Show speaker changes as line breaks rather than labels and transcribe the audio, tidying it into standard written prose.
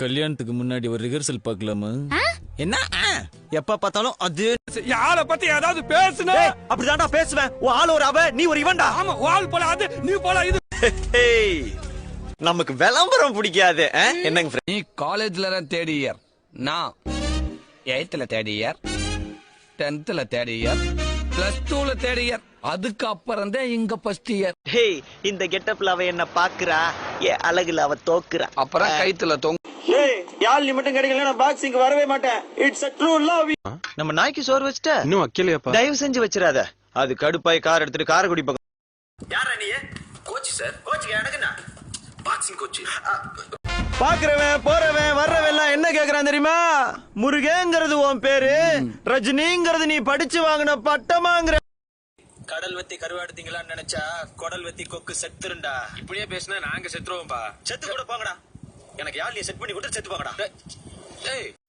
கல்யாணத்துக்கு முன்னாடி ஒரு ரிஹர்சல் பார்க்கலாமா?
என்ன எப்ப பார்த்தாலும் அது
யார பத்தி ஏதாவது பேசுன
அப்படிதான்டா பேசுவேன். உன் ஆள் ஒரு அவ, நீ ஒரு இவன்டா.
ஆமா, ஆள் போல அது, நீ போல இது.
நமக்கு விளம்பரம் பிடிக்காது. என்னங்க
நீ காலேஜ்ல தான் தேர்ட் இயர், நான் 8th third year, 10th third year, +2 third year, அதுக்கு அப்புறம் தான் இங்க ஃபர்ஸ்ட் இயர்.
ஹேய், இந்த கெட்டப்ல அவ என்ன பாக்குறா, ஏ அழகுல அவ தோக்குறா.
அப்புறம் கைத்துல தொங்க.
ஏய், யாழ் நீ மட்டும் கிடைக்கல, நான் பாக்ஸிங் வரவே மாட்டேன். It's a true love.
நம்ம நாய்க்கு சோறு வச்சிட்ட?
இன்னும் வைக்கலையாப்பா.
தயவு செஞ்சு வச்சிராத. அது கடுப்பாய் கார் எடுத்துட்டு காரைக்குடி பக்கம்.
யாரா நீ? Coach sir. கோச்சுக்கு எனக்கு என்ன? Boxing coach.
பாக்குறவன் போறவன் வர்றவன் எல்லாம் என்ன கேக்குறான் தெரியுமா? முருகேங்கிறது உன் பேரு, ரஜினிங்கிறது நீ படிச்சு வாங்கின பட்டமாங்கிற. கடல் வெத்தி கருவாடு திங்களான்னு நினைச்சா குடல் வெத்தி கொக்கு செத்துருண்டா.
இப்படியே பேசினா நாங்க செத்துருவோம்பா.
செத்து கூட போங்கடா. எனக்கு யாழ் நீ செட் பண்ணி கொடுத்து செத்து போங்கடா.
ஏய்